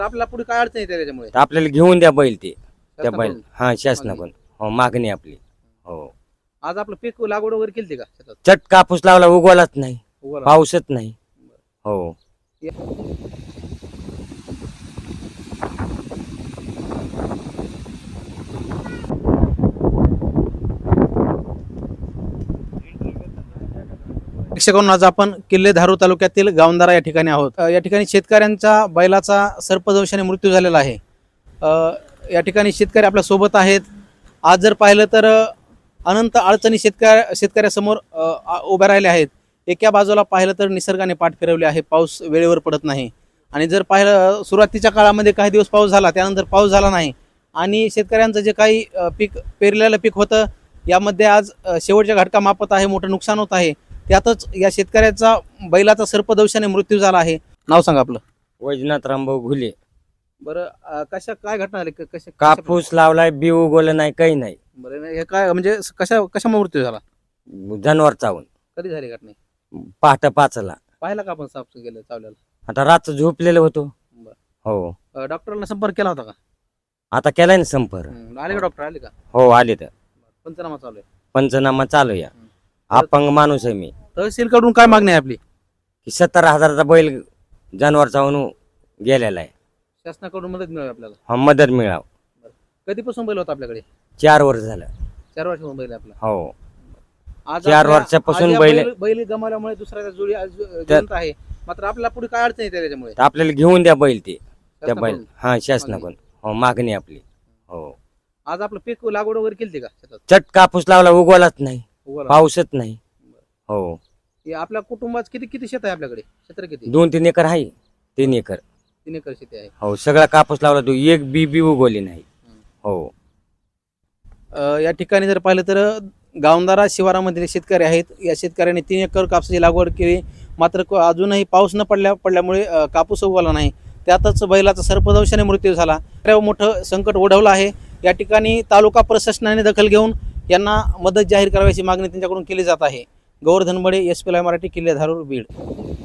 आपल्याला पुढे काय अडचण येते त्याच्यामुळे? तर आपल्याला घेऊन द्या बैल ते त्या बैल शासनाकडून? हा शासनाकडून हो मागणी आपली हो. आज आपलं पीक लागवड वगैरे केली का शेतात? चट कापूस लावला उगवलाच नाही, उगवला. पाऊसच नाही हो. प्रेक्षकांनो, आज आपण किल्ले धारूर तालुक्यातील गावंदारा या ठिकाणी आहोत. या ठिकाणी शेतकऱ्यांच्या बैलाचा सर्पदंशाने मृत्यू झालेला आहे. या ठिकाणी शेतकरी आपल्या सोबत आहेत. आज जर पाहिलं तर अनंत अडचणी शेतकऱ्यासमोर उभ्या राहिल्या आहेत. एका बाजूला पाहिलं तर निसर्गाने पाठ फिरवले आहे, पाऊस वेळेवर पडत नाही. आणि जर पाहिलं सुरुवातीच्या काळामध्ये काही दिवस पाऊस झाला, त्यानंतर पाऊस झाला नाही. आणि शेतकऱ्यांचं जे काही पीक पेरलेलं पीक होतं यामध्ये आज शेवटच्या घटका मापत आहे, मोठं नुकसान होत आहे. त्यातच या शेतकऱ्याचा बैलाचा सर्पदंशाने मृत्यू झाला आहे. नाव सांगा आपलं. वैजनाथ रामभाऊ घुले. बरं, कशा घटना झाली? कापूस लावलाय, बी उगवलं नाही, काही नाही. बरं, हे काय म्हणजे कशा मृत्यू झाला? जनावर चावून कधी झाली घटना? पहाटे 5ला. पाहिला का आपण साफ गेलं चावल्याला? आता रात्र झोपलेलं होतो हो. डॉक्टरला संपर्क केला होता का? आता केलाय ना संपर्क. आले का डॉक्टर? आले का? हो आले. तर पंचनामा चालू आहे. पंचनामा चालू या. अपंग माणूस आहे मी. तहसील कडून काय मागणी आहे आपली? की 70,000चा बैल जनावर चावून गेलेला आहे. शासनाकडून मदत मिळावी आपल्याला. हा मदत मिळाव. कधीपासून बैल होता आपल्याकडे? 4 वर्ष झालं 4 वर्षापासून बैल आहे आपला. हो. आज 4 वर्षापासून बैल गमावल्यामुळे दुसऱ्या जोडी जिवंत आहे. मात्र आपल्याला पुढे काय अडचण येते त्याच्यामुळे? तर आपल्याला घेऊन द्या बैल ते त्या बैल शासनाकडून? हा शासनाकडून हो मागणी आपली हो. आज आपलं पीक लागवड वगैरे केली का शेतात? चट कापूस लावला उगवलाच नाही, उगवला. पाऊसच नाही हो. हे आपल्या कुटुंबात किती शेत आहे आपल्याकडे? क्षेत्र किती? 2-3 एकर आहे. 3 एकर 3 एकर शेती आहे. हो. सगळा कापूस लावला, तो एक बी उगवली नाही हो. या ठिकाणी जर पाहिलं तर गावंदारा शिवारामधील शेतकरी आहेत. या शेतकऱ्यांनी 3 एकर कापसाची लागवड केली. मात्र अजूनही पाऊस न पडल्यामुळे कापूस उगवला नाही. त्यातच बैलाचा सर्पदंशाने मृत्यू झाला. मोठं संकट ओढवलं आहे. या ठिकाणी तालुका प्रशासनाने दखल घेऊन यांना मदत जाहीर करायची मागणी त्यांच्याकडून केली जात आहे. Gaurdhan Bade, SP live Marathi, Kille Dharur, Beed.